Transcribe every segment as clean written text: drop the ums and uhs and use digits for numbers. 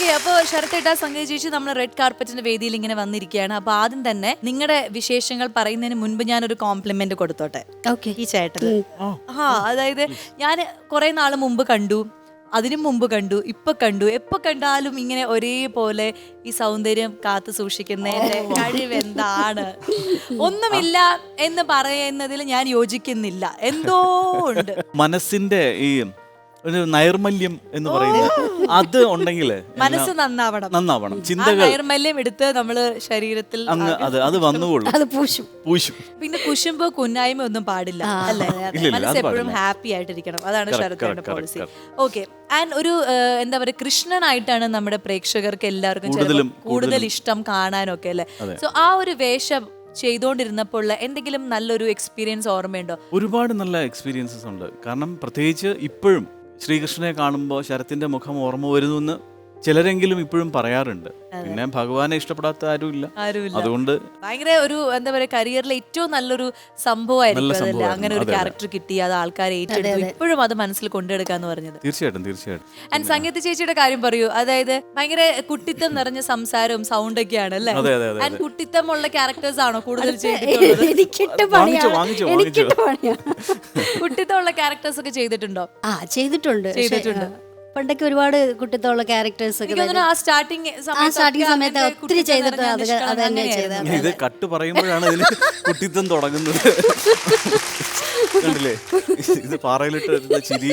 Okay, അപ്പോൾ ശരത്തേട്ട സംഗീത ചേച്ചി നമ്മൾ റെഡ് കാർപ്പറ്റിന്റെ വേദിയിൽ ഇങ്ങനെ വന്നിരിക്കുകയാണ്. അപ്പൊ ആദ്യം തന്നെ നിങ്ങളുടെ വിശേഷങ്ങൾ പറയുന്നതിന് മുൻപ് ഞാനൊരു കോംപ്ലിമെന്റ് കൊടുത്തോട്ടെ. ഓക്കെ. ഈ ചേട്ടന് അതായത് ഞാൻ കുറെ നാൾ മുമ്പ് കണ്ടു, അതിനു മുമ്പ് കണ്ടു, ഇപ്പൊ കണ്ടു, എപ്പോ കണ്ടാലും ഇങ്ങനെ ഒരേപോലെ ഈ സൗന്ദര്യം കാത്തു സൂക്ഷിക്കുന്നതിന്റെ കഴിവെന്താണ്? ഒന്നുമില്ല എന്ന് പറയുന്നതിൽ ഞാൻ യോജിക്കുന്നില്ല. എന്തോ ഉണ്ട് മനസ്സിന്റെ ഈ ഒരു നൈർമല്യം എന്ന് പറയുന്നത് അത് ഉണ്ടെങ്കിൽ മനസ്സ് നന്നാവണം. ചിന്തകൾ നൈർമല്യം എടുത്ത് നമ്മള് ശരീരത്തിൽ അങ്ങ് അത് വന്നുകൊള്ളും. അത് പൂശും. പിന്നെ കുശുമ്പോ കുന്നായ്മ ഒന്നും പാടില്ല അല്ലേ? മനസ്സ് എപ്പോഴും ഹാപ്പി ആയിട്ടിരിക്കണം. അതാണ് ശരത്തിന്റെ പോളിസി. ഓക്കെ. ആൻഡ് ഒരു എന്താ പറയുക, കൃഷ്ണനായിട്ടാണ് നമ്മുടെ പ്രേക്ഷകർക്ക് എല്ലാവർക്കും കൂടുതൽ ഇഷ്ടം കാണാനൊക്കെ അല്ലേ? സോ ആ ഒരു വേഷം ചെയ്തുകൊണ്ടിരുന്നപ്പോൾ എന്തെങ്കിലും നല്ലൊരു എക്സ്പീരിയൻസ് ഓർമ്മയുണ്ടോ? ഒരുപാട് നല്ല എക്സ്പീരിയൻസസ് ഉണ്ട്. കാരണം പ്രത്യേകിച്ച് ഇപ്പോഴും ശ്രീകൃഷ്ണനെ കാണുമ്പോൾ ശരത്തിന്റെ മുഖം ഓർമ്മ വരുന്നു എന്ന് ചിലരെങ്കിലും ഇപ്പോഴും പറയാറുണ്ട്. പിന്നെ ഭഗവാനെ ഇഷ്ടപ്പെടാത്ത ആരുമില്ല. അതുകൊണ്ട് ഭയങ്കര ഒരു എന്താ പറയാ, കരിയറിലെ ഏറ്റവും നല്ലൊരു സംഭവമായിരിക്കും അതല്ലേ, അങ്ങനെ ഒരു ക്യാരക്ടർ കിട്ടി, അത് ആൾക്കാരെ ഏറ്റെടുത്തു, ഇപ്പോഴും അത് മനസ്സിൽ കൊണ്ടെടുക്കാന്ന് പറഞ്ഞത്. തീർച്ചയായിട്ടും. ആൻഡ് സംഗീത ചേച്ചിയുടെ കാര്യം പറയൂ. അതായത് ഭയങ്കര കുട്ടിത്തം നിറഞ്ഞ സംസാരവും സൗണ്ടൊക്കെ ആണ് അല്ലേ? ആൻഡ് കുട്ടിത്തമുള്ള ക്യാരക്ടേഴ്സ് ആണോ കൂടുതൽ ചെയ്തിട്ടുള്ളത്? കുട്ടിത്തമുള്ള ക്യാരക്ടേഴ്സ് ഒക്കെ ചെയ്തിട്ടുണ്ടോ? ചെയ്തിട്ടുണ്ട്. പണ്ടൊക്കെ ഒരുപാട് കുട്ടിത്തോളം ക്യാരക്ടേഴ്സ് ഒക്കെ ആ സ്റ്റാർട്ടിങ് സമയത്ത് ഒത്തിരി ചെയ്തിട്ട് അത് തന്നെ ചെയ്തത്. ഇത് കട്ട് പറയുമ്പോഴാണ് ഇതിന് കുട്ടിത്തം തുടങ്ങുന്നത്. കണ്ടില്ലേ, ഇത് പാറയിലിട്ട് ചിരി.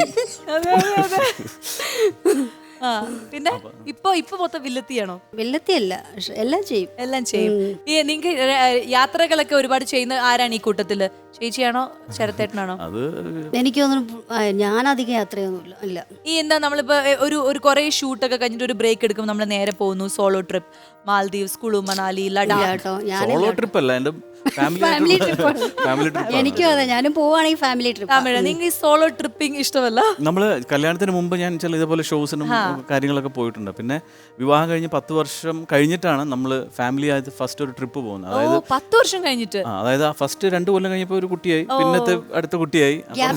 പിന്നെ ഇപ്പൊ മൊത്തം വില്ലത്തിയാണോ? വില്ലത്തിയല്ല, എല്ലാം ചെയ്യും. ഈ നിങ്ങൾക്ക് യാത്രകളൊക്കെ ഒരുപാട് ചെയ്യുന്ന ആരാണ് ഈ കൂട്ടത്തില്? ചേച്ചിയാണോ ശരത്തേട്ടനാണോ? എനിക്ക് തോന്നുന്നു ഞാൻ അധികം യാത്രയൊന്നുമില്ല. ഇല്ല. ഈ എന്താ നമ്മളിപ്പോ ഒരു കുറെ ഷൂട്ടൊക്കെ കഴിഞ്ഞിട്ട് ഒരു ബ്രേക്ക് എടുക്കുമ്പോൾ നമ്മൾ നേരെ പോകുന്നു solo trip, Maldives, Kullu Manali, Ladakh. Solo trip അല്ല, എന്റെ ഫാമിലി ട്രിപ്പ്. എനിക്കും അതെ, ഞാനും പോവാണെങ്കിൽ ഫാമിലി ട്രിപ്പ്. നിങ്ങൾക്ക് ഈ സോളോ ട്രിപ്പിംഗ് ഇഷ്ടമല്ല? നമ്മള് കല്യാണത്തിന് മുമ്പ് ഞാൻ ചില ഇതേപോലെ ഷോസിനും കാര്യങ്ങളൊക്കെ പോയിട്ടുണ്ട്. പിന്നെ വിവാഹം കഴിഞ്ഞ് 10 വർഷം കഴിഞ്ഞിട്ടാണ് നമ്മള് ഫാമിലി ആയിട്ട് ഫസ്റ്റ് ഒരു ട്രിപ്പ് പോകുന്നത്. അതായത് 10 വർഷം കഴിഞ്ഞിട്ട്. അതായത് ഫസ്റ്റ് 2 കൊല്ലം കഴിഞ്ഞപ്പോ ഒരു കുട്ടിയായി, പിന്നത്തെ അടുത്ത കുട്ടിയായി.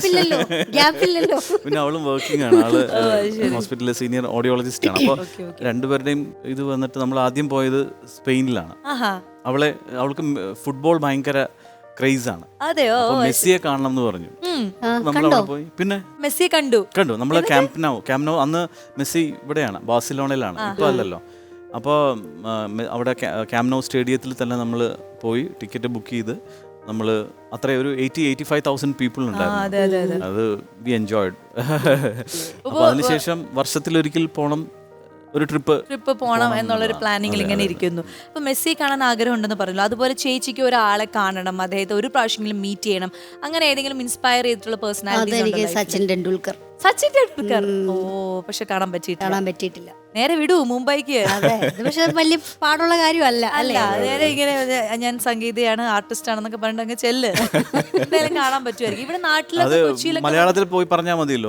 പിന്നെ അവളും വർക്കിംഗ് ആണ്, ആള് ഹോസ്പിറ്റലിലെ സീനിയർ ഓഡിയോളജിസ്റ്റ് ആണ്. അപ്പൊ രണ്ടുപേരുടെയും ഇത് വന്നിട്ട് നമ്മൾ ആദ്യം പോയത് സ്പെയിനിലാണ്. അവൾക്ക് ഫുട്ബോൾ ഭയങ്കര ക്രേസ് ആണ്. അതെയോ? മെസ്സിയെ കാണണം എന്ന് പറഞ്ഞു. നമ്മളവിടെ പോയി. പിന്നെ മെസ്സിയെ കണ്ടു. നമ്മള് ക്യാമ്പ് നൗ അന്ന് മെസ്സി ഇവിടെയാണ്, ബാഴ്സലോണയിലാണ്, ഇപ്പൊ അല്ലല്ലോ. അപ്പോൾ അവിടെ ക്യാമ്പ് നൗ സ്റ്റേഡിയത്തിൽ തന്നെ നമ്മൾ പോയി ടിക്കറ്റ് ബുക്ക് ചെയ്ത് നമ്മൾ അത്ര ഒരു 80,000-85,000 പീപ്പിൾ ഉണ്ടായിരുന്നു. അത് വി എൻജോയ്ഡ്. അപ്പോൾ അതിനുശേഷം വർഷത്തിലൊരിക്കൽ പോണം, ഒരു ട്രിപ്പ് പോകണം എന്നുള്ളൊരു പ്ലാനിങ്ങിൽ ഇങ്ങനെ ഇരിക്കുന്നു. അപ്പൊ മെസ്സി കാണാൻ ആഗ്രഹം ഉണ്ടെന്ന് പറഞ്ഞല്ലോ. അതുപോലെ ചേച്ചിക്ക് ഒരാളെ കാണണം, അദ്ദേഹത്തെ ഒരു പ്രാവശ്യമെങ്കിലും മീറ്റ് ചെയ്യണം, അങ്ങനെ ഏതെങ്കിലും ഇൻസ്പയർ ചെയ്തിട്ടുള്ള പേഴ്സണാലിറ്റി? സച്ചിൻ ടെണ്ടുൽക്കർ. ഓ, പക്ഷെ കാണാൻ പറ്റിയിട്ടില്ല. നേരെ വിടൂ മുംബൈക്ക്. പക്ഷെ വലിയ പാടുള്ള കാര്യമല്ല അല്ലേ? നേരെ ഇങ്ങനെ ഞാൻ സംഗീതയാണ്, ആർട്ടിസ്റ്റ് ആണെന്നൊക്കെ പറഞ്ഞിട്ട് അങ്ങ് ചെല്ല്, എന്തായാലും കാണാൻ പറ്റുമായിരിക്കും. ഇവിടെ നാട്ടിലൊക്കെ കൊച്ചിയിലൊക്കെ മലയാളത്തിൽ പോയി പറഞ്ഞാൽ മതിയല്ലോ.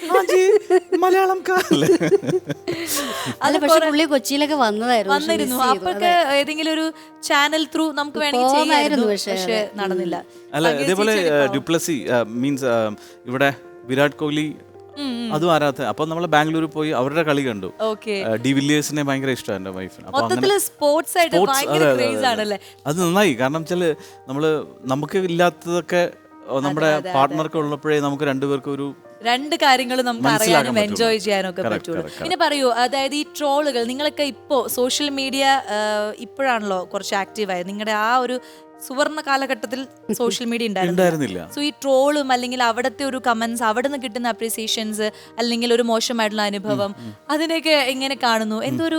മലയാളം അല്ല, പക്ഷെ പുള്ളി കൊച്ചിയിലൊക്കെ വന്നിരുന്നു. അപ്പൊക്കെ ഏതെങ്കിലും ഒരു ചാനൽ ത്രൂ നമുക്ക് വേണമെങ്കിൽ ചെയ്യാമായിരുന്നു, പക്ഷെ നടന്നില്ല. അല്ല, ഇതേപോലെ ഡ്യുപ്ലസി മീൻസ് ഇവിടെ വിരാട് കോഹ്ലി അതും ആരാധന. അപ്പൊ നമ്മള് ബാംഗ്ലൂർ പോയി അവരുടെ കളി കണ്ടു. ഡി വില്ലിയേഴ്സിനെ ഭയങ്കര ഇഷ്ടമാണ് എന്റെ വൈഫിന്. അത് നന്നായി. കാരണം വെച്ചാല് നമുക്ക് ഇല്ലാത്തതൊക്കെ നമ്മുടെ പാർട്ട്ണർക്ക് ഉള്ളപ്പോഴേ നമുക്ക് രണ്ടുപേർക്കും ഒരു രണ്ട് കാര്യങ്ങളും നമുക്ക് അറിയാനും എൻജോയ് ചെയ്യാനും ഒക്കെ പറ്റുള്ളൂ. പിന്നെ പറയൂ, അതായത് ഈ ട്രോളുകൾ നിങ്ങളൊക്കെ ഇപ്പോ സോഷ്യൽ മീഡിയ ഇപ്പോഴാണല്ലോ കുറച്ച് ആക്റ്റീവായത്. നിങ്ങളുടെ ആ ഒരു സുവർണ കാലഘട്ടത്തിൽ സോഷ്യൽ മീഡിയ ഉണ്ടായിരുന്നില്ല. സോ ഈ ട്രോളും അല്ലെങ്കിൽ അവിടുത്തെ ഒരു കമന്റ്സ്, അവിടെ നിന്ന് കിട്ടുന്ന അപ്രീസിയേഷൻസ്, അല്ലെങ്കിൽ ഒരു മോശമായിട്ടുള്ള അനുഭവം, അതിനൊക്കെ എങ്ങനെ കാണുന്നു? എന്തൊരു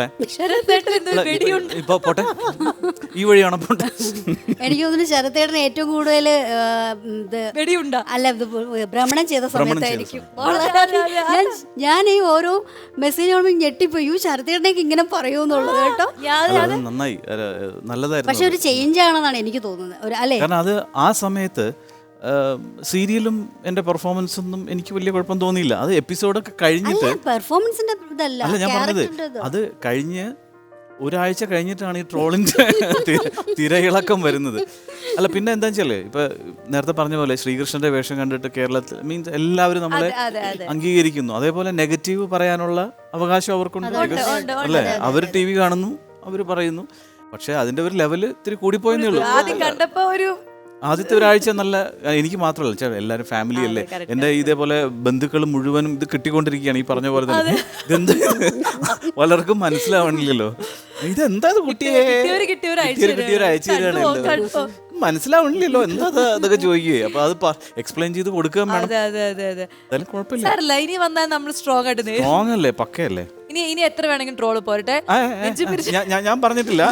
ഈ വഴിയാണോ? എനിക്ക് തോന്നുന്നു ശരത്തേട്ടന് ഏറ്റവും കൂടുതൽ വെടിയുണ്ട അല്ല ഭ്രമണം ചെയ്ത സമയത്തായിരിക്കും. ഞാൻ ഈ ഓരോ മെസ്സേജ് ഞെട്ടിപ്പോയി, ശരത്തേട്ടനേക്ക് ഇങ്ങനെ പറയുമെന്നുള്ളത് കേട്ടോ. നന്നായി, നല്ലതായിരുന്നു. പക്ഷെ ഒരു ചേഞ്ച് ആണെന്നാണ് എനിക്ക് തോന്നുന്നത്. കാരണം അത് ആ സമയത്ത് സീരിയലും എന്റെ പെർഫോമൻസ് ഒന്നും എനിക്ക് വലിയ കുഴപ്പം തോന്നിയില്ല. അത് എപ്പിസോഡൊക്കെ കഴിഞ്ഞിട്ട് പെർഫോമൻസിന്റെ അല്ല ഞാൻ പറഞ്ഞത്, അത് കഴിഞ്ഞ് ഒരാഴ്ച കഴിഞ്ഞിട്ടാണ് ഈ ട്രോളിൻ്റെ തിരയിളക്കം വരുന്നത്. അല്ല പിന്നെ എന്താ വെച്ചാല് ഇപ്പൊ നേരത്തെ പറഞ്ഞ പോലെ ശ്രീകൃഷ്ണന്റെ വേഷം കണ്ടിട്ട് കേരളത്തിൽ മീൻസ് എല്ലാവരും നമ്മളെ അംഗീകരിക്കുന്നു. അതേപോലെ നെഗറ്റീവ് പറയാനുള്ള അവകാശം അവർക്കുണ്ട്. അല്ലേ, അവർ ടി വി കാണുന്നു, അവർ പറയുന്നു. പക്ഷെ അതിന്റെ ഒരു ലെവല് ഇത്തിരി കൂടിപ്പോയെന്നേ ഉള്ളൂ. ആദ്യത്തെ ഒരാഴ്ച നല്ല, എനിക്ക് മാത്രമല്ല എല്ലാവരും ഫാമിലി അല്ലേ, എൻ്റെ ഇതേപോലെ ബന്ധുക്കൾ മുഴുവനും ഇത് കിട്ടിക്കൊണ്ടിരിക്കുകയാണ് ഈ പറഞ്ഞ പോലെ തന്നെ. ഇതെന്താ പലർക്കും മനസ്സിലാവണില്ലല്ലോ, ഇതെന്താ കുട്ടിയെ കിട്ടിയൊരു അയച്ചു തരാണല്ലോ, മനസ്സിലാവണില്ലല്ലോ എന്താ അതൊക്കെ ചോദിക്കുകയെ. അപ്പൊ അത് എക്സ്പ്ലെയിൻ ചെയ്ത് കൊടുക്കാൻ വേണം. എന്തായാലും കുഴപ്പമില്ല, ഇനി വന്നാൽ നമ്മൾ സ്ട്രോങ് ആയിട്ട് സ്ട്രോങ് അല്ലേ, പക്കയല്ലേ. ഇനി എത്ര വേണമെങ്കിലും ട്രോള് പോരട്ടെ, ഞാൻ പറഞ്ഞിട്ടില്ല.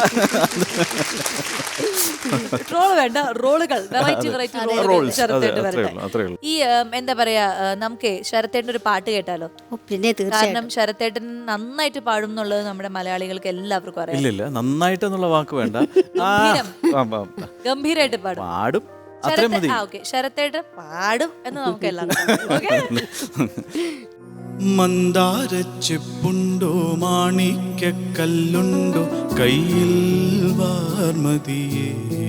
ട്രോള് വേണ്ട, റോളുകൾ, വെറൈറ്റി ഈ എന്താ പറയാ, നമുക്ക് ശരത്തേട്ടൻ ഒരു പാട്ട് കേട്ടാലോ? പിന്നെ കാരണം ശരത്തേട്ടൻ നന്നായിട്ട് പാടും എന്നുള്ളത് നമ്മുടെ മലയാളികൾക്ക് എല്ലാവർക്കും അറിയാം. ഇല്ല നന്നായിട്ട് എന്നുള്ള വാക്ക് വേണ്ട, ഗംഭീരമായിട്ട് പാടും, അത്രയും മതി. ശരത്തേട്ടൻ പാടും എന്ന് നമുക്ക് എല്ലാവർക്കും. മന്ദാരച്ചെപ്പുണ്ടോ മാണിക്കല്ലുണ്ടോ കയ്യിൽ വാർമതിയേ,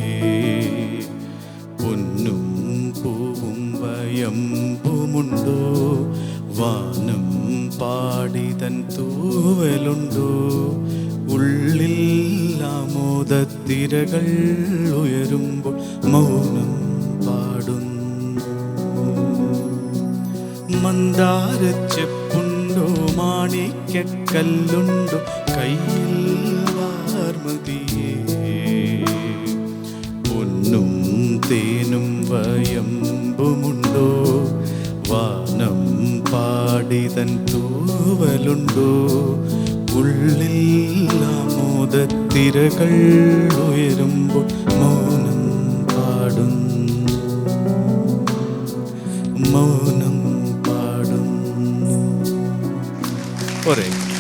പൊന്നും പൂവും വയമ്പുമുണ്ടോ, വാനം പാടിതൻ തൂവലുണ്ടോ, ഉള്ളിൽ ആമോദത്തിരകൾ ഉയരുമ്പോൾ മൗനം പാടുന്നു. മന്ദാരച്ചെപ്പുണ്ടോ മാണിക്കല്ലുണ്ടോ കയ്യിൽ വാർമതിയേ, പൊന്നും തേനും വയമ്പുമുണ്ടോ, വാനം പാടിതൻ തൂവലുണ്ടോ, ഉള്ളിൽ ആമോദത്തിരകൾ ഉയരുമ്പോൾ മൗനം പാടുന്നു, മൗനം പാടുന്നു. പോരെ.